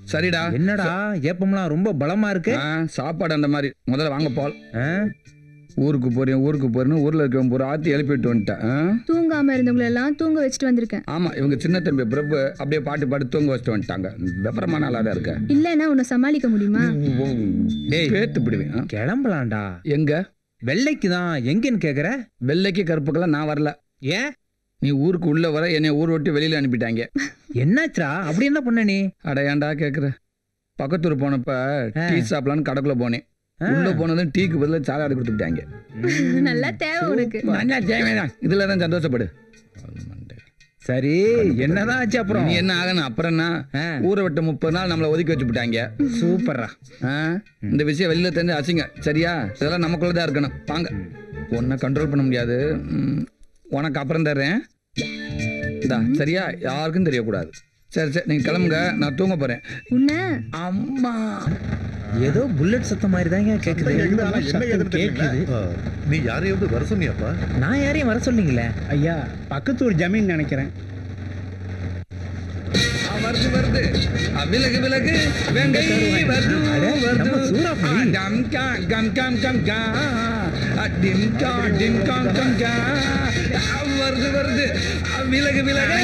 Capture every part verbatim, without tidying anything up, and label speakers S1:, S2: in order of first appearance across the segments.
S1: சரிடா.
S2: என்னடா ஏப்பம்லாம் ரொம்ப பலமா இருக்கு.
S1: சாப்பாடு அந்த மாதிரி. முதல்ல வாங்க பால். ஊருக்கு போறேன் ஊருக்கு போறேன்னு ஊர்ல இருக்க ஒரு ஆத்தி எழுப்பிட்டு வந்துட்டேன்.
S3: தூங்காம இருந்தவங்களை எல்லாம் தூங்க வச்சுட்டு வந்திருக்கேன்.
S1: ஆமா, இவங்க சின்ன தம்பி பிரபு அப்படியே பாட்டு பாட்டு தூங்க வச்சுட்டு வந்துட்டாங்க. விபரமான ஆளா தான் இருக்க.
S3: இல்லன்னா உன்னை சமாளிக்க முடியுமா?
S2: டேய்
S1: பேத்து பிடுவேன்.
S2: கிளம்பலாம்டா.
S1: எங்க?
S2: வெள்ளைக்கு தான். எங்கன்னு கேக்குற?
S1: வெள்ளைக்கு கருப்புக்கெல்லாம் நான் வரல.
S2: ஏன்?
S1: நீ ஊருக்கு உள்ள வர என்னை ஊர் விட்டு வெளியில அனுப்பிட்டாங்க.
S2: என்னாச்சுரா? அப்படி என்ன பண்ண நீ?
S1: அட ஏன்டா கேக்குற? பக்கத்தூர் போனப்ப டீ சாப்பிடலான்னு கடைக்குள்ள போனேன். உள்ள போனதும் டீக்கு பதிலா சாலாடு கொடுத்துட்டாங்க.
S3: நல்லா தேவை உனக்கு.
S1: நல்லா தேவைதான். இதுலதான் சந்தோஷப்படு.
S2: சரி, என்னதான் ஆச்சு அப்புறம்?
S1: நீ என்ன ஆகணும் அப்புறம் என்ன? ஊரை விட்டு முப்பது நாள் நம்மளை ஒதுக்கி வச்சு விட்டாங்க.
S2: சூப்பரா.
S1: இந்த விஷயம் வெளியில தெரிஞ்சு அசிங்க. சரியா? இதெல்லாம் நமக்குள்ளதான் இருக்கணும். வாங்க. உன்னை கண்ட்ரோல் பண்ண முடியாது. உனக்கு அப்புறம் தர்றேன். சரியா? யாருக்கும் தெரியக்கூடாது. சரி சரி, நீங்க கிளம்புங்க. நான் தூங்க போறேன். அம்மா
S2: ஏதோ புல்லட் சத்தம் மாதிரி தான் கேக்குது.
S4: நீ யாரையாவது வர சொன்னியாப்பா?
S2: நான் யாரையும் வர சொன்னீங்களே
S5: ஐயா. பக்கத்தூர் ஜமீன் நினைக்கிறேன்.
S1: வருது வருது. விலகு விலகு. வெங்கை வருது வருது. சூறாப்பளி. கம் கா கம் கம் கம் கா. டிம் கா டிம் கம் கம் கா. வருது வருது. விலகு விலகு.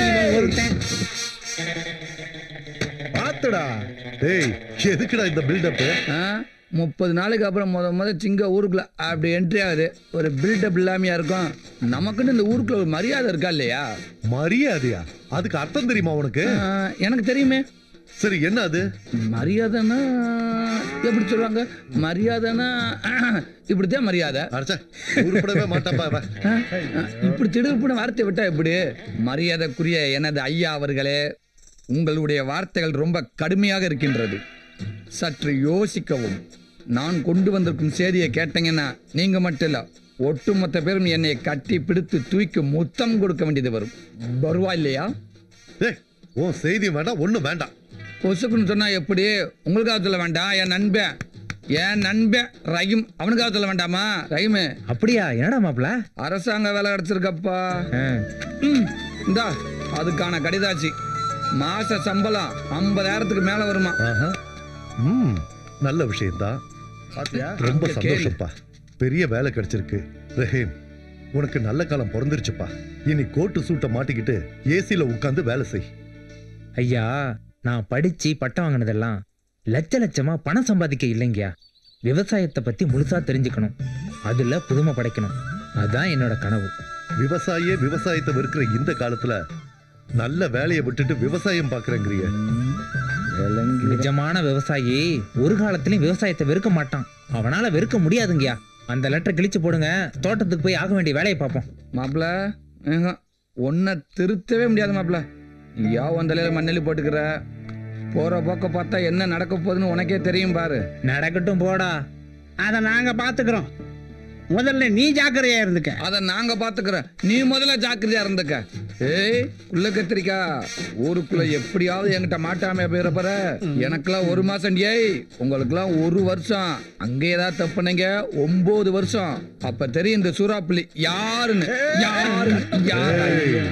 S4: பாத்துடா. டேய், எதுக்குடா இந்த பில்டப்?
S1: முப்பது நாளைக்கு அப்புறம் முத முத சிங்க ஊருக்குள்ள அப்படி என்ட்ரி ஆகுது. ஒரு பில்டப் இல்லாமையா இருக்கும். நமக்குன்னு இந்த ஊருக்குள்ள ஒரு மரியாதை இருக்கா இல்லையா?
S4: மரியாதையா? அதுக்கு அர்த்தம் தெரியுமா உனக்கு?
S1: எனக்கு தெரியுமே.
S4: சரி, என்ன அது?
S1: மரியாதைன்னா எப்படி சொல்லுவாங்க? மரியாதைன்னா இப்படித்தான் மரியாதை.
S4: உருப்படவே மாட்டாப்பா.
S1: இப்படி திடுப்புன வார்த்தை விட்டா எப்படி? மரியாதைக்குரிய எனது ஐயா அவர்களே, உங்களுடைய வார்த்தைகள் ரொம்ப கடுமையாக இருக்கின்றது. சற்று யோசிக்கவும். நான் கொண்டு வந்திருக்கும் செய்தியை கேட்டீங்கன்னா நீங்க மட்டும் இல்ல, ஒட்டுமொத்த பேரும் என்னை கட்டி பிடித்து தூக்கி முத்தம் கொடுக்க வேண்டியது வரும். வருவா இல்லையா?
S4: உன் செய்தி வேண்டாம், ஒண்ணும் வேண்டாம்.
S1: பொசுக்குன்னு சொன்னா எப்படி? உங்களுக்காக சொல்ல வேண்டாம், என் நண்பன் என் நண்பன் ரஹீம் அவனுக்காக சொல்ல வேண்டாமா? ரஹீம்.
S2: அப்படியா? என்னடா மாப்ள?
S1: அரசாங்க வேலை கிடைச்சிருக்கப்பா. இந்தா அதுக்கான கடிதாச்சு. மாச சம்பளம் ஐம்பதாயிரத்துக்கு மேல வருமா?
S4: நல்ல விஷயம்தான். ரொம்ப சந்தோஷப்பா. பெரிய வேலை கிடைச்சிருக்கு. ரஹீம், உனக்கு நல்ல காலம் பிறந்துருச்சுப்பா. இனி கோட்டு சூட்டை மாட்டிக்கிட்டு ஏசில உட்கார்ந்து வேலை செய்.
S2: ஐயா, நான் படிச்சு பட்டம் வாங்கினதெல்லாம் லட்ச லட்சமா பணம் சம்பாதிக்க இல்லைங்கயா. விவசாயத்தை பத்தி முழுசா தெரிஞ்சுக்கணும், அதுல புதுமை படைக்கணும். அதான் என்னோட கனவு.
S4: விவசாயியே விவசாயத்தை வெறுக்கிற இந்த காலத்துல நல்ல வேலையை விட்டுட்டு விவசாயம் பாக்குறேங்கிறிய.
S2: நிஜமான விவசாயி ஒரு காலத்திலயும் விவசாயத்தை வெறுக்க மாட்டான். அவனால வெறுக்க முடியாதுங்கயா. அந்த லெட்டர் கிழிச்சு போடுங்க, தோட்டத்துக்கு போய் ஆக வேண்டிய வேலையை பார்ப்போம்.
S1: மாப்பிள, ஒன்ன திருத்தவே முடியாது மாப்பிள. யா வந்தலையில மண்ணெல்லி போட்டுக்கிற. போற போக்க பார்த்தா என்ன நடக்க போகுதுன்னு உனக்கே தெரியும் பாரு.
S2: நடக்கட்டும் போடா,
S5: அத நாங்க பாத்துக்கிறோம். முதல்ல நீ ஜாக்கிரதையா இருந்துக்க.
S1: அத நாங்க பாத்துக்கிறோம், நீ முதல்ல ஜாக்கிரதையா இருந்துக்க. ஏய் உள்ள கத்திரிக்கா, ஊருக்குள்ள எப்படியாவது என்கிட்ட மாட்டாம போயிடப்பற. எனக்கெல்லாம் ஒரு மாசம், ஏய் உங்களுக்கெல்லாம் ஒரு வருஷம். அங்கே ஏதாவது தப்புனீங்க ஒன்பது வருஷம். அப்ப தெரியும் இந்த சூறாப்புலி யாருன்னு. யாரு யாரு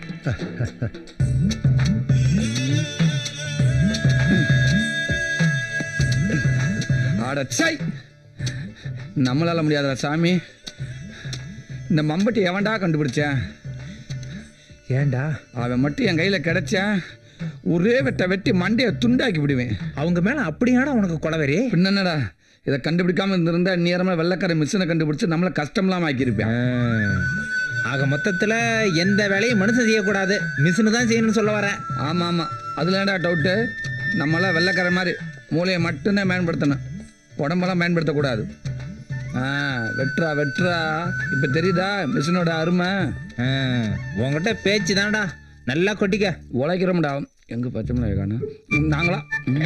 S1: அடச்சை, நம்மளால முடியாதா சாமி. இந்த மம்பட்டி எவன்டா கண்டுபிடிச்சேன்?
S2: ஏண்டா
S1: அவன் மட்டும் என் கையில கிடைச்சேன், ஒரே வெட்ட வெட்டி மண்டையை துண்டாக்கி விடுவேன்.
S2: அவங்க மேல அப்படியாடா உனக்கு கொலவெறி?
S1: பின்னடா, இதை கண்டுபிடிக்காம இருந்திருந்தா நேரமா வெள்ளக்கார மிஷினை கண்டுபிடிச்சு நம்மள கஷ்டம்லாம் ஆக்கியிருப்பேன்.
S2: ஆக மொத்தத்துல எந்த வேலையும் மனுஷன் செய்யக்கூடாது, மிஷினு தான் செய்யணும்னு சொல்ல வர.
S1: ஆமா ஆமா, அதுல ஏன்டா டவுட்டு? நம்மளாம் வெள்ளக்கார மாதிரி மூளையை மட்டும்தான் பயன்படுத்தணும், உடம்பெல்லாம் பயன்படுத்தக்கூடாது. ஆ வெட்ரா வெட்ரா. இப்ப தெரியுதா மிஷினோட அருமை?
S2: உங்ககிட்ட பேச்சு தான்டா, நல்லா கொட்டிக்க.
S1: உழைக்கிறோம்டா. எங்க பச்சைமலை காணும் நாங்களா?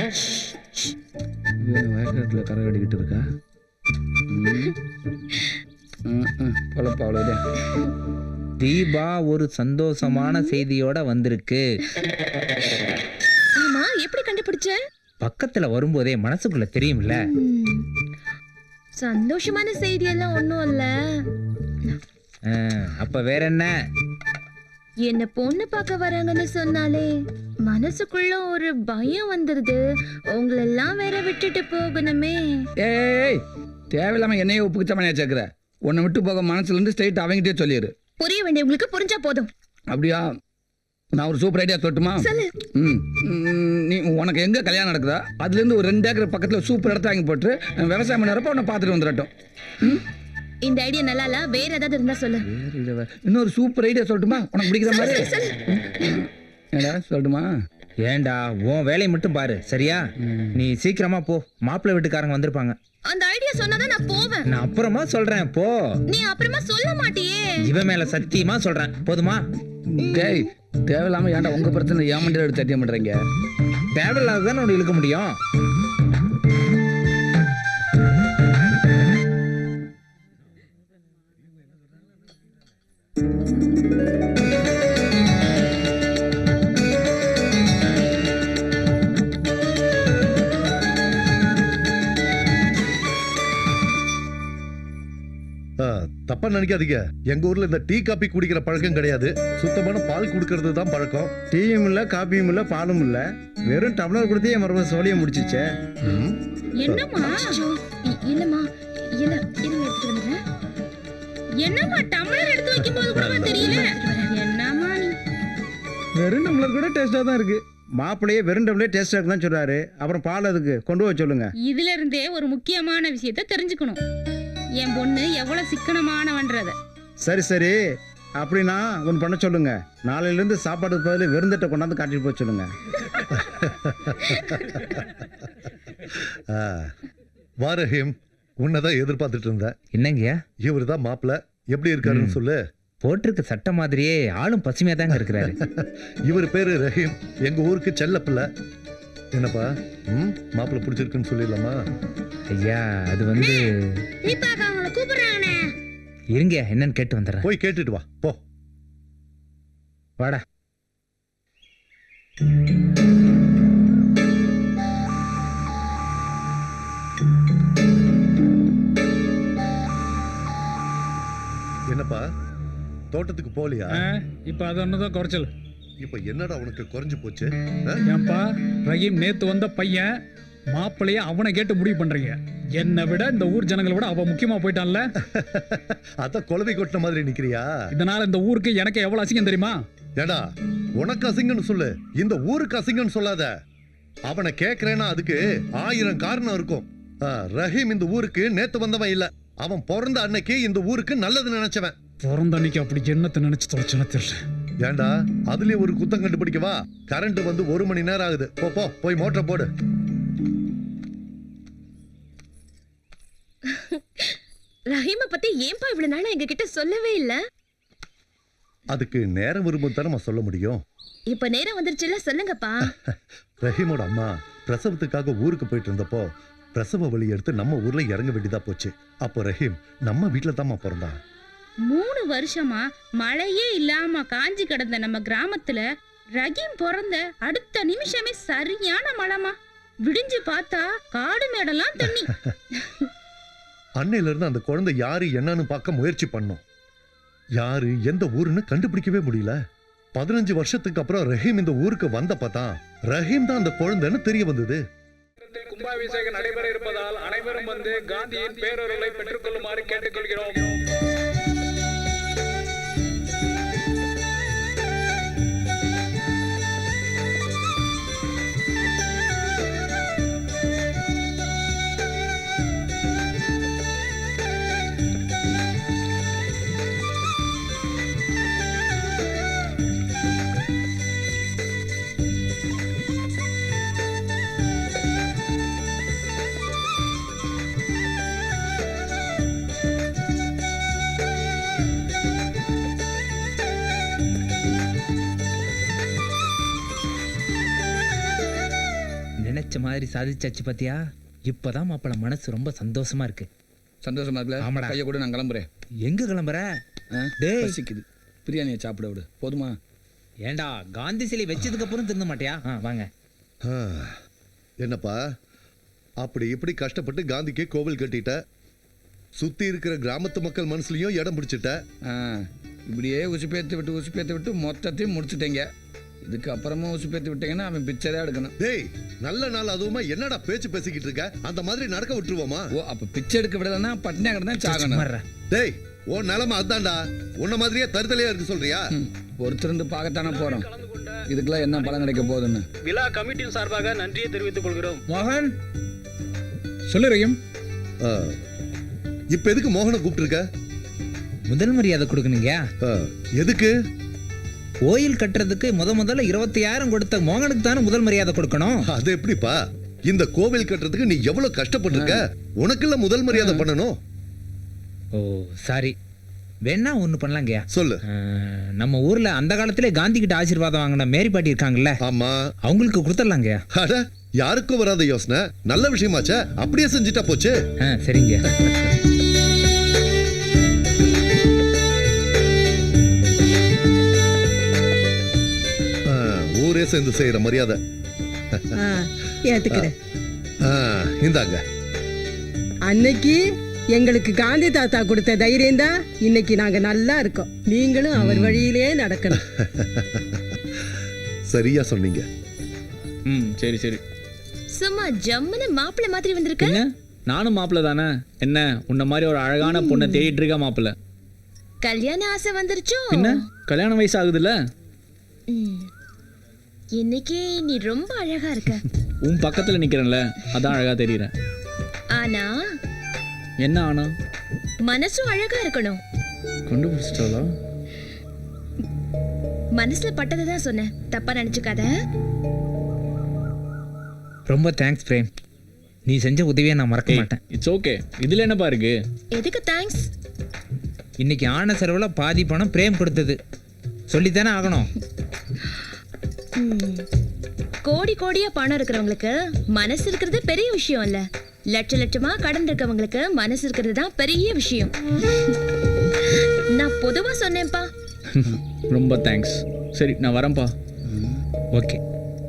S1: வயக்காட்டுல கரை கட்டிக்கிட்டு இருக்கா. பொழப்பா அவ்வளோதான்.
S2: தீபா ஒரு சந்தோஷமான செய்தியோட வந்திருக்கு.
S3: ஆமா, எப்படி கண்டுபிடிச்ச?
S2: பக்கத்துல வரும்போதே மனசுக்குள்ள தெரியும்ல.
S3: சந்தோஷமான செய்தி எல்லாம் ஒண்ணும் இல்ல.
S2: அப்ப வேற என்ன?
S3: என்ன பொண்ணு பார்க்க வராங்கன்னு சொன்னாலே மனசுக்குள்ள ஒரு பயம் வந்துருது. உங்களெல்லாம் வேற விட்டுட்டு போகணுமே.
S1: ஏய் தேவையில்லாம என்னையே உப்புக்குச்சமனையா சேர்க்குற. உன்னை விட்டு போக மனசுல இருந்து ஸ்ட்ரைட் அவங்ககிட்டே சொல்லிடு.
S3: புரிய வேண்டியவங்களுக்கு புரிஞ்சா போதும்.
S1: அப்படியா? நான் ஒரு சூப்பர் ஐடியா சொல்லட்டுமா?
S3: சொல்லு.
S1: ம் ம், நீ உனக்கு எங்கே கல்யாணம் நடக்குதா அதுலேருந்து ஒரு ரெண்டு ஏக்கர் பக்கத்தில் சூப்பர் இடத்த வாங்கி போட்டு விவசாயம் பண்ணுறப்ப உன்னை பார்த்துட்டு வந்துடட்டும். ம்
S3: இந்த ஐடியா நல்லா இல்ல, வேற ஏதாவது இருந்தா சொல்லு.
S1: வேறு இல்லை இன்னொரு சூப்பர் ஐடியா சொல்லட்டுமா உனக்கு பிடிக்கிற மாதிரி? ஏடா சொல்லட்டுமா?
S2: ஏண்டா உன் வேலையை மட்டும் பாரு சரியா? நீ சீக்கிரமா போ, மாப்பிள்ளை வீட்டுக்காரங்க வந்திருப்பாங்க.
S3: அந்த ஐடியா சொன்னாதான் நான் போவேன்.
S2: நான் அப்புறமா சொல்றேன் போ.
S3: நீ அப்புறமா சொல்ல மாட்டியே.
S2: இவன் மேல சத்தியமா சொல்றேன், போதுமா?
S1: டேய் தேவையில்லாம ஏன்டா உங்க பிரச்சனை ஏமாண்டியில் எடுத்து சத்தியம் பண்ணுறீங்க?
S2: தேவையில்லாததான் உன்னை இழுக்க முடியும்.
S4: ஆ, தப்பா நினைக்காதீங்க. எங்க ஊர்ல இந்த டீ காபி குடிக்கிற பழக்கம் கிடையாது. சுத்தமான பால் குடுக்கறது தான் பழக்கம்.
S5: டீயும் இல்ல காப்பியும் இல்ல பாலும் இல்ல, வெறும் டம்ளர் கொடுத்தே என் மருமக சோழிய முடிச்சிச்சே.
S4: ம்.
S3: என்னம்மா? இ- இல்லம்மா இல்ல இருங்க எடுத்துட்டு வந்துடுறேன். என்னம்மா டம்ளர் எடுத்து வைக்கும்போது கூட தெரியல. என்னம்மா நீ?
S5: வெறும் டம்ளர் கூட டேஸ்டா தான் இருக்கு. மாப்பிள்ளையே வெறும் டம்ளர் டேஸ்டா இருக்குன்னு சொல்றாரு. அப்புறம் பால் அதுக்கு கொண்டு வர சொல்லுங்க.
S6: இதுல இருந்தே ஒரு முக்கியமான விஷயத்த தெரிஞ்சுக்கணும். என் பொண்ணு எவ்வளவு சிக்கனமானவன்றத.
S5: சரி சரி, அப்படின்னா ஒன்று பண்ண சொல்லுங்க. நாளையில இருந்து சாப்பாடுக்கு பதில் வெறுந்தட்டை கொண்டாந்து காட்டிட்டு போக சொல்லுங்க.
S4: ஆ, வா ரஹீம், உன்னதான் எதிர்பார்த்துட்டு இருந்தேன்.
S2: என்னங்கய்யா?
S4: இவர் தான் மாப்பிள்ள. எப்படி இருக்காருன்னு சொல்லு.
S2: போட்டிருக்க சட்டை மாதிரியே ஆளும் பசுமையா தாங்க இருக்கிறாரு.
S4: இவர் பேரு ரஹீம், எங்க ஊருக்கு செல்ல பிள்ளை. என்னப்பா ம் மாப்பிள்ள பிடிச்சிருக்குன்னு சொல்லிடலாமா?
S2: ஐயா அது வந்து
S6: தீபாக்கா அவங்கள கூப்பிடுறாங்கண்ணே.
S2: இருங்க என்னன்னு கேட்டு வந்துடுறேன்.
S4: போய் கேட்டுட்டு வா போ.
S2: வாடா.
S4: என்னப்பா தோட்டத்துக்கு போலியா?
S7: இப்ப அது ஒண்ணுதான் குறைச்சல்.
S4: இப்ப என்னடா உனக்கு குறைஞ்சு போச்சு? ஆ?
S7: ஏன்பா ரஹீம் நேத்து வந்த பையன் மாப்பிள்ளைய அவனை கேட்டு முடிவு பண்றீங்க. என்னை விட இந்த ஊர் ஜனங்களை விட அவன் முக்கியமா போயிட்டான்ல.
S4: அதான் குழவை கொட்டின மாதிரி நிக்கிறியா?
S7: இதனால இந்த ஊருக்கு எனக்கு எவ்வளவு அசிங்கம் தெரியுமா?
S4: ஏடா உனக்கு அசிங்கன்னு சொல்லு, இந்த ஊருக்கு அசிங்கன்னு சொல்லாத. அவனை கேக்குறேன்னா அதுக்கு ஆயிரம் காரணம் இருக்கும். ஆ, ரஹீம் இந்த ஊருக்கு நேத்து வந்தவன் இல்ல. அவன் பிறந்த அன்னைக்கு இந்த ஊருக்கு நல்லது நினைச்சவன்.
S7: பிறந்த அன்னைக்கு அப்படி என்னத்தை நினைச்சு தொலைச்சுன்னு தெரியல.
S4: ஏண்டா அதுலயே ஒரு குத்தம் கண்டுபிடிக்கவா? கரண்ட் வந்து ஒரு மணி நேரம் ஆகுது. போ போ போய் மோட்டரை போடு.
S3: ரஹீமை பத்தி ஏன்பா இவ்வளவு நாளா எங்க கிட்ட சொல்லவே இல்ல?
S4: அதுக்கு நேரம் வரும்போது தானே நான் சொல்ல முடியும்.
S3: இப்ப நேரம் வந்துருச்சுல, சொல்லுங்கப்பா.
S4: ரஹீமோட அம்மா பிரசவத்துக்காக ஊருக்கு போயிட்டு இருந்தப்போ பிரசவ வலி எடுத்து நம்ம ஊர்ல இறங்க வேண்டியதா போச்சு. அப்போ ரஹீம் நம்ம வீட்டுல தாம்மா பிறந்தான்.
S6: மூணு வருஷமா மழையே இல்லாம காஞ்சி கிடந்த நம்ம கிராமத்துல ரஹீம் பிறந்த அடுத்த நிமிஷமே சரியான மழைமா. விடிஞ்சு பார்த்தா காடு மேடெல்லாம் தண்ணி.
S4: அன்னையில இருந்து அந்த குழந்தை யாரு என்னன்னு பார்க்க முயற்சி பண்ணோம். யாரு எந்த ஊருன்னு கண்டுபிடிக்கவே முடியல. பதினஞ்சு வருஷத்துக்கு அப்புறம் ரஹீம் இந்த ஊருக்கு வந்தப்பதான் ரஹீம் தான் அந்த குழந்தைன்னு தெரிய வந்தது.
S7: கும்பாபிஷேகம் நடைபெற இருப்பதால் அனைவரும் வந்து காந்தியின் பேரொருளை பெற்றுக் கொள்ளுமாறு கேட்டுக்கொள்கிறோம்.
S2: நினைச்ச மாதிரி சாதிச்சாச்சு பாத்தியா? இப்பதான் மாப்பிள்ள மனசு ரொம்ப சந்தோஷமா இருக்கு.
S1: சந்தோஷமா இருக்குல்ல?
S2: ஆமாடா.
S1: கையை கூட நான் கிளம்புறேன்.
S2: எங்க கிளம்புற?
S1: ஆ?
S2: டேய்.
S1: பசிக்குது. பிரியாணியை சாப்பிட விடு போதுமா?
S2: ஏண்டா காந்தி சிலை வச்சதுக்கு அப்புறம் திருந்த மாட்டியா? ஆ, வாங்க.
S4: ஆ, என்னப்பா அப்படி இப்படி கஷ்டப்பட்டு காந்திக்கு கோவில் கட்டிட்ட. சுத்தி இருக்கிற கிராமத்து மக்கள் மனசுலயும் இடம் பிடிச்சிட்ட.
S1: ஆ, இப்படியே உசுப்பேத்து விட்டு உசுப்பேத்து விட்டு மொத்தத்தையும் முடிச்சுட்டேங்க. இதுக்கு அப்புறமா உசு பேத்து விட்டீங்கன்னா அவன் பிச்சை தான் எடுக்கணும்.
S4: டேய் நல்ல நாள் அதுவுமா என்னடா பேச்சு பேசிக்கிட்டு இருக்க? அந்த மாதிரி நடக்க விட்டுருவோமா?
S1: ஓ அப்ப பிச்சை எடுக்க விடலன்னா பட்டினியா கிடந்தா சாகணும்.
S2: மர்றா.
S4: டேய் உன் நிலைமை அதான்டா. உன்ன மாதிரியே தருதலையா இருக்கு சொல்றியா?
S1: ஒருத்தருந்து பார்க்கத்தானே போறோம். இதுக்கெல்லாம் என்ன பலன் கிடைக்க போகுதுன்னு
S8: விழா கமிட்டியின் சார்பாக நன்றியை தெரிவித்துக் கொள்கிறோம்.
S2: மோகன்
S7: சொல்லு ரஹீம்.
S4: ஆ, இப்ப எதுக்கு மோகனை கூப்பிட்டுருக்க?
S2: முதல் மரியாதை கொடுக்கணுங்க.
S4: ஆ, எதுக்கு?
S2: கோயில் கட்டுறதுக்கு முத முதல்ல இருபத்தையாயிரம் கொடுத்த மோகனுக்கு தானே முதல் மரியாதை கொடுக்கணும்.
S4: அது எப்படிப்பா? இந்த கோவில் கட்டுறதுக்கு நீ எவ்வளவு கஷ்டப்பட்டிருக்க. உனக்குள்ள முதல் மரியாதை பண்ணணும்.
S2: Oh sorry. வேணா ஒண்ணு பண்ணலாங்கய்யா.
S4: சொல்லு.
S2: அஹ், நம்ம ஊர்ல அந்த காலத்திலே காந்தி கிட்ட ஆசீர்வாதம் வாங்கின மேரி பாட்டி இருக்காங்கல்ல,
S4: ஆமா.
S2: அவங்களுக்கு கொடுத்துடலாங்கய்யா.
S4: அட யாருக்கும் வராத யோசனை. நல்ல விஷயமாச்சே. அப்படியே செஞ்சுட்டா போச்சு.
S2: ஆ சரிங்க.
S4: ஆ, ஊரே சேர்ந்து செய்யற மரியாதை.
S9: ஆ, ஏத்துக்கிறேன்.
S4: ஆ, இந்தாங்க.
S9: அன்னைக்கு எங்களுக்கு காந்தி தாத்தா கொடுத்த தைரியம் தான் இன்னைக்கு நாங்க நல்லா இருக்கோம். நீங்களும் அவர் வழியிலே நடக்கணும்.
S4: சரியா சொன்னீங்க.
S8: ம் சரி சரி.
S6: சும்மா ஜம்முன்னு மாப்பிள்ளை மாதிரி வந்திருக்க.
S8: என்ன நானும் மாப்பிள்ள தானே? என்ன உன்ன மாதிரி ஒரு அழகான பொண்ணை தேடிட்டு இருக்க மாப்பிள்ள.
S6: கல்யாண ஆசை வந்துருச்சோ?
S8: என்ன கல்யாண வயசு ஆகுதுல்ல?
S6: ம். இன்னைக்கு நீ ரொம்ப அழகா இருக்க.
S8: உன் பக்கத்துல நிக்கிறேன்ல, அதான் அழகா தெரியறேன்.
S6: ஆனா
S8: என்ன ஆனா?
S6: மனசும் அழகா இருக்கணும்.
S8: கண்டுபிடிச்சிட்டாளா?
S6: மனசுல பட்டதை தான் சொன்னேன், தப்பா நினைச்சுக்காத.
S2: ரொம்ப தேங்க்ஸ் பிரேம். நீ செஞ்ச உதவியை நான் மறக்க மாட்டேன்.
S8: It's okay. இதுல என்னப்பா இருக்கு?
S6: எதுக்கு தேங்க்ஸ்?
S2: இன்னைக்கு ஆன செலவுல பாதி பணம் பிரேம் கொடுத்தது. சொல்லித்தானே ஆகணும்.
S6: ம். கோடி கோடியா பணம் இருக்கிறவங்களுக்கு மனசு இருக்கிறது பெரிய விஷயம் இல்ல. லட்ச லட்சமா கடன் இருக்கவங்களுக்கு மனசு இருக்கிறது தான் பெரிய விஷயம். நான் பொதுவா சொன்னேன்ப்பா.
S8: ரொம்ப தேங்க்ஸ். சரி நான் வரேன்ப்பா.
S2: ஓகே.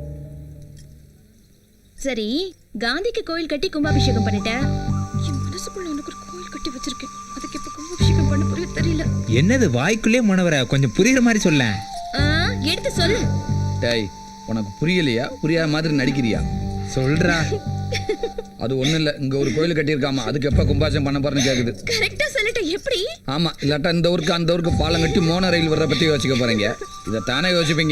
S6: சரி, காந்திக்கு கோயில் கட்டி கும்பாபிஷேகம் பண்ணிட்டேன். என் மனசுக்குள்ள உனக்கு ஒரு கோயில் கட்டி வச்சிருக்கேன். அதுக்கு எப்ப கும்பாபிஷேகம் பண்ண புரிய தெரியல.
S2: என்னது வாய்க்குள்ளே மனவர கொஞ்சம் புரியுற மாதிரி சொல்ல.
S6: ஆ, எடுத்து சொல்லு.
S1: டேய் உனக்கு புரியலையா? புரியாத மாதிரி நடிக்கிறியா?
S2: சொல்றா.
S1: அது ஒண்ணும் இல்ல. இங்க ஒரு கோயில் கட்டியிருக்காமா, அதுக்கு எப்ப கும்பாசம் பண்ண போறேன்னு கேக்குது.
S6: கரெக்டா சொல்லிட்ட. எப்படி?
S1: ஆமா, இல்லாட்டா இந்த ஊருக்கு அந்த ஊருக்கு பாலம் கட்டி மோன ரயில் வர்ற பத்தி யோசிக்க போறீங்க. இதை தானே யோசிப்பீங்க.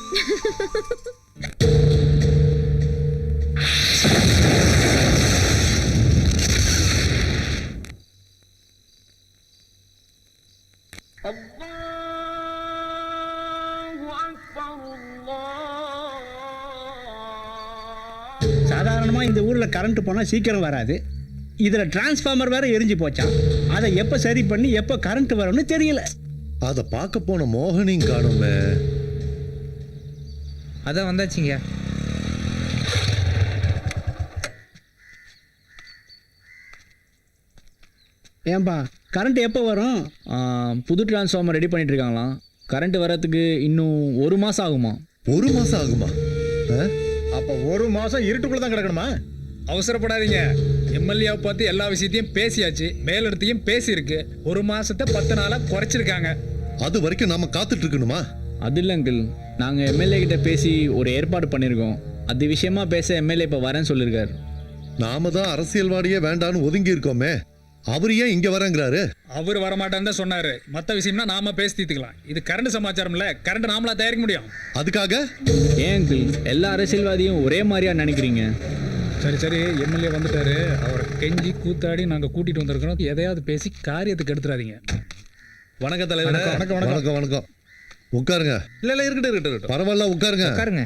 S10: சாதாரணமாக இந்த ஊரில் கரண்ட் போனால் சீக்கிரம் வராது. இதில் டிரான்ஸ்ஃபார்மர் வேற எரிஞ்சு போச்சான். அதை எப்போ சரி பண்ணி எப்போ கரண்ட் வரும்னு தெரியல.
S4: அத பார்க்க போன மோகனையும் காணுமே.
S2: அதான் வந்தாச்சுங்க.
S10: ஏன்பா கரண்ட் எப்போ வரும்?
S8: ஆ, புது டிரான்ஸ்ஃபார்மர் ரெடி பண்ணிட்டு இருக்காங்களாம். கரண்ட் வரதுக்கு இன்னும் ஒரு மாசம் ஆகுமா?
S4: ஒரு மாசம் ஆகுமா? ஆ?
S5: அப்ப ஒரு மாசம் இருட்டுக்குள்ள தான் கிடக்கணுமா?
S7: அவசரப்படாதீங்க. எம்எல்ஏவை பார்த்து எல்லா விஷயத்தையும் பேசியாச்சு, மேலிடத்தையும் பேசியிருக்கு. ஒரு மாசத்தை பத்து நாளா குறைச்சிருக்காங்க.
S4: அது வரைக்கும் நாம காத்துட்டு இருக்கணுமா?
S8: அது இல்லை அங்கிள், நாங்கள் எம்எல்ஏ கிட்ட பேசி ஒரு ஏற்பாடு பண்ணியிருக்கோம். அது விஷயமா பேச எம்எல்ஏ இப்போ வரேன்னு சொல்லியிருக்காரு.
S4: நாம தான் அரசியல்வாடியே வேண்டான்னு ஒதுங்கி இருக்கோமே. அவர் ஏன் இங்க வரங்கிறாரு?
S7: அவர் வரமாட்டான்னு தான் சொன்னாரு. மற்ற விஷயம்னா நாம பேசி தீர்த்துக்கலாம். இது கரண்ட் சமாச்சாரம்ல, கரண்ட் நாமளா தயாரிக்க முடியும்.
S4: அதுக்காக
S8: ஏன் அங்கிள் எல்லா அரசியல்வாதியும் ஒரே மாதிரியா நினைக்கிறீங்க?
S7: சரி சரி, எம்எல்ஏ வந்துட்டாரு. அவரை கெஞ்சி கூத்தாடி நாங்க கூட்டிட்டு வந்திருக்கிறோம். எதையாவது பேசி காரியத்துக்கு எடுத்துறாதீங்க.
S5: வணக்கம் தலைவர்.
S4: வணக்கம் வணக்கம் வணக்கம். உட்காருங்க.
S5: இல்ல இல்ல இருக்கட்டும் இருக்கட்டும் இருக்கட்டும்.
S4: பரவாயில்ல உட்காருங்க.
S2: உட்காருங்க.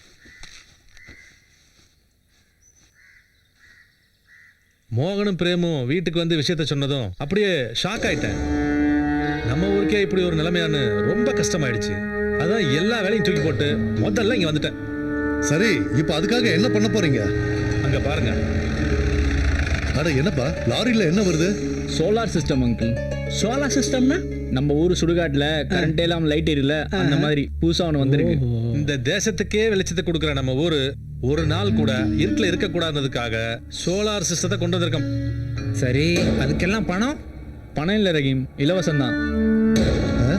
S5: மோகனும் பிரேமும் வீட்டுக்கு வந்து விஷயத்த சொன்னதும் அப்படியே ஷாக் ஆயிட்டேன். நம்ம ஊருக்கே இப்படி ஒரு நிலைமையான்னு ரொம்ப கஷ்டமாயிடுச்சு. அதான் எல்லா வேலையும் தூக்கி போட்டு முதல்ல இங்க வந்துட்டேன்.
S4: சரி, இப்ப அதுக்காக என்ன பண்ண போறீங்க?
S5: அங்க பாருங்க.
S4: அட என்னப்பா லாரியில என்ன வருது?
S8: Solar system uncle.
S10: சோலார் சிஸ்டம்னா?
S8: நம்ம ஊர் சுடுகாட்டில் கரண்ட் எல்லாம் லைட் எரியல, அந்த மாதிரி புதுசா ஒன்று வந்திருக்கு.
S5: இந்த தேசத்துக்கே வெளிச்சத்தை கொடுக்குற நம்ம ஊரு ஒரு நாள் கூட இருட்டில் இருக்கக்கூடாததுக்காக சோலார் சிஸ்டத்தை கொண்டு வந்திருக்கோம்.
S2: சரி, அதுக்கெல்லாம் பணம்?
S8: பணம் இல்லை ரஹீம், இலவசம் தான்.
S4: ஆ?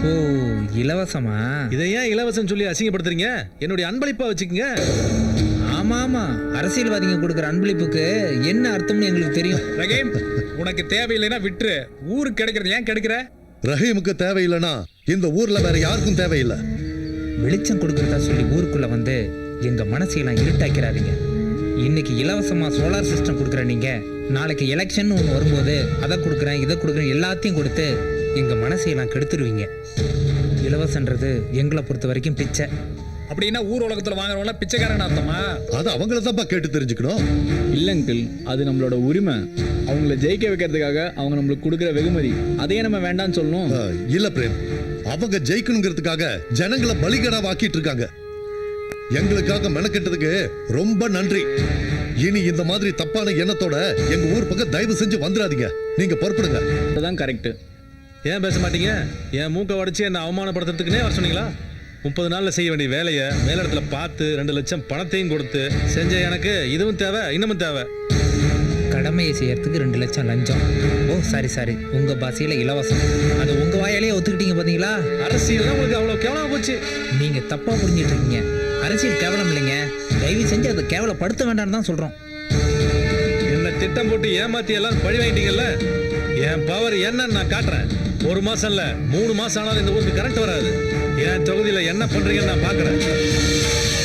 S2: ஓ இலவசமா?
S5: இதை ஏன் இலவசம் சொல்லி அசிங்கப்படுத்துறீங்க? என்னுடைய அன்பளிப்பா வச்சுக்கோங்க.
S2: ஆமா ஆமா, அரசியல்வாதிங்க கொடுக்குற அன்பளிப்புக்கு என்ன அர்த்தம்னு எங்களுக்கு தெரியும்.
S7: ரஹீம், உனக்கு தேவையில்லைன்னா விட்டுரு. ஊருக்கு கிடைக்கிறது ஏன் கிடைக்கிற?
S4: ரஹீமுக்கு தேவையில்லைன்னா இந்த ஊர்ல வேற யாருக்கும் தேவையில்லை.
S2: வெளிச்சம் கொடுக்கறதா சொல்லி ஊருக்குள்ள வந்து எங்க மனசையெல்லாம் இருட்டாக்கிறாதீங்க. இன்னைக்கு இலவசமா சோலார் சிஸ்டம் கொடுக்குற நீங்க, நாளைக்கு எலெக்ஷன் ஒன்று வரும்போது அதை கொடுக்குறேன் இதை கொடுக்குறேன் எல்லாத்தையும் கொடுத்து எங்க மனசையெல்லாம் கெடுத்துருவீங்க. இலவசன்றது எங்களை பொறுத்த வரைக்கும் பிச்சை.
S7: அப்படின்னா ஊர் உலகத்துல வாங்குறவங்க பிச்சைக்காரன் அர்த்தமா?
S4: அது அவங்கள தான்ப்பா கேட்டு தெரிஞ்சுக்கணும்.
S8: இல்ல அங்கிள், அது நம்மளோட உரிமை. அவங்கள ஜெயிக்க வைக்கிறதுக்காக அவங்க நம்மளுக்கு கொடுக்குற வெகுமதி, அதையே நம்ம வேண்டாம்னு சொல்லணும்.
S4: அஹ், இல்ல பிரேம், அவங்க ஜெயிக்கணுங்கிறதுக்காக ஜனங்களை பலிகடா வாக்கிட்டு இருக்காங்க. எங்களுக்காக மெனக்கெட்டதுக்கு ரொம்ப நன்றி. இனி இந்த மாதிரி தப்பான எண்ணத்தோட எங்க ஊர் பக்கம் தயவு செஞ்சு வந்துடாதீங்க. நீங்க பொறுப்படுங்க.
S8: அதுதான் கரெக்ட்.
S5: ஏன் பேச மாட்டீங்க? என் மூக்கை உடைச்சு என்ன அவமானப்படுத்துறதுக்குனே வர சொன்னீங்களா? முப்பது நாள்ல செய்ய வேண்டிய வேலையை மேலிடத்துல பார்த்து ரெண்டு லட்சம் பணத்தையும் கொடுத்து செஞ்ச எனக்கு இதுவும் தேவை, இன்னமும் தேவை.
S2: கடமையை செய்யறதுக்கு ரெண்டு லட்சம் லஞ்சம். ஓ சாரி சாரி, உங்க பாசையில இலவசம். அது உங்க வாயாலேயே ஒத்துக்கிட்டீங்க பாத்தீங்களா?
S5: அரசியல் தான் உங்களுக்கு அவ்வளவு கேவலமா போச்சு.
S2: நீங்க தப்பா புரிஞ்சிட்டு இருக்கீங்க. அரசியல் கேவலம் இல்லைங்க, தயவு செஞ்சு அதை கேவலப்படுத்த வேண்டாம்னு தான் சொல்றோம்.
S5: என்ன திட்டம் போட்டு ஏமாத்தி எல்லாம் பழி வாங்கிட்டீங்கல்ல. என் பவர் என்னன்னு நான் காட்டுறேன். ஒரு மாசம் இல்ல மூணு மாசம் ஆனாலும் இந்த ஊருக்கு கரண்ட் வராது. என் தொகுதியில என்ன பண்றீங்கன்னு நான் பாக்குறேன்.